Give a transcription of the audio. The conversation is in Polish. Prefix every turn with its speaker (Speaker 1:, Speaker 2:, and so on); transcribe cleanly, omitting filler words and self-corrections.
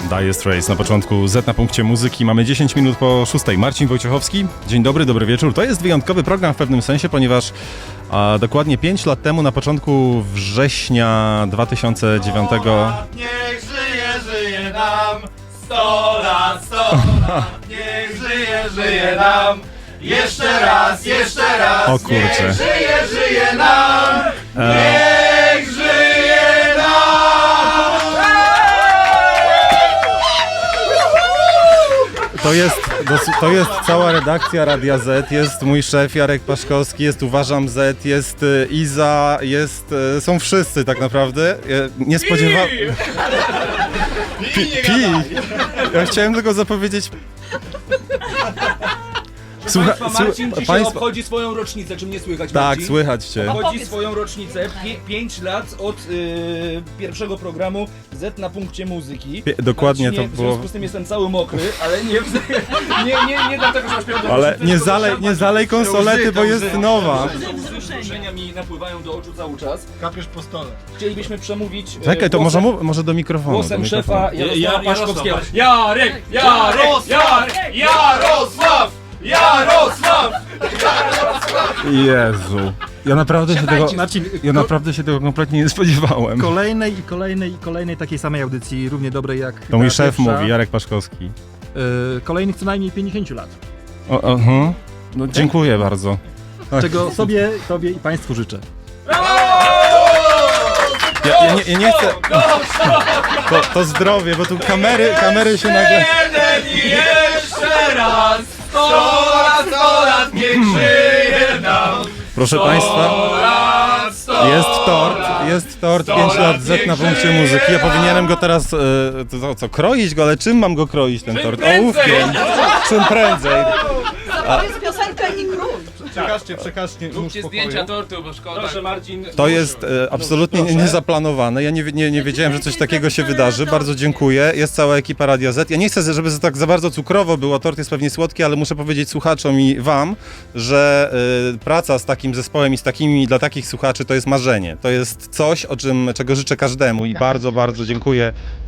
Speaker 1: Dire Straits na początku Z na punkcie muzyki. Mamy 10 minut po 6. Marcin Wojciechowski. Dzień dobry, dobry wieczór. To jest wyjątkowy program w pewnym sensie, ponieważ dokładnie 5 lat temu, na początku września 2009...
Speaker 2: Niech żyje nam 100 lat, 100 lat. Niech żyje nam. Jeszcze raz,
Speaker 1: O kurczę.
Speaker 2: Niech żyje nam. Niech żyje nam.
Speaker 1: To jest cała redakcja Radia Z, jest mój szef Jarek Paszkowski, jest Uważam Z, jest Iza, są wszyscy tak naprawdę. Nie spodziewałem... Ja chciałem tylko zapowiedzieć...
Speaker 3: Marcin dzisiaj obchodzi swoją rocznicę, czy mnie słychać,
Speaker 1: Tak,
Speaker 3: Marcin?
Speaker 1: słychać cię.
Speaker 3: Obchodzi swoją rocznicę, 5 lat od pierwszego programu Z na punkcie muzyki.
Speaker 1: Dokładnie
Speaker 3: Marcinie,
Speaker 1: to
Speaker 3: w
Speaker 1: było...
Speaker 3: związku z tym jestem cały mokry, ale nie dlatego, że masz piątkę.
Speaker 1: Ale nie zalej konsolety, bo jest nowa.
Speaker 3: Wzruszenia mi napływają do oczu cały czas.
Speaker 2: Kapiesz po stole.
Speaker 3: Chcielibyśmy przemówić
Speaker 1: Czekaj, to
Speaker 3: głosem,
Speaker 1: może do mikrofonu.
Speaker 3: głosem
Speaker 1: do
Speaker 3: szefa
Speaker 1: mikrofonu.
Speaker 3: Jarosława Paszkowskiego.
Speaker 2: Jarosław!
Speaker 1: Jezu. Ja naprawdę się tego kompletnie nie spodziewałem.
Speaker 4: Kolejnej takiej samej audycji, równie dobrej jak
Speaker 1: To mój
Speaker 4: ta
Speaker 1: szef
Speaker 4: pierwsza.
Speaker 1: mówi, Jarek Paszkowski.
Speaker 4: Kolejnych co najmniej 50 lat.
Speaker 1: No, dziękuję bardzo.
Speaker 4: Czego sobie, tobie i państwu życzę.
Speaker 1: Ja nie chcę... To zdrowie, bo tu kamery się nagle...
Speaker 2: Jeden i jeszcze raz! 100 lat, niech żyje nam!
Speaker 1: Proszę Państwa, jest tort, 5 lat Z na punkcie muzyki. Ja powinienem go teraz, kroić go, ale czym mam go kroić, ten tort? Ołówkiem, czym prędzej.
Speaker 5: To jest piosenka i król.
Speaker 1: Przekażcie
Speaker 2: Róbcie zdjęcia tortu, bo szkoda.
Speaker 3: Proszę Marcin.
Speaker 1: To jest absolutnie niezaplanowane. Ja nie wiedziałem, że coś takiego się wydarzy. Bardzo dziękuję. Jest cała ekipa Radia Z. Ja nie chcę, żeby tak za bardzo cukrowo było. Tort jest pewnie słodki, ale muszę powiedzieć słuchaczom i wam, że praca z takim zespołem i dla takich słuchaczy to jest marzenie. To jest coś, czego życzę każdemu i bardzo, bardzo dziękuję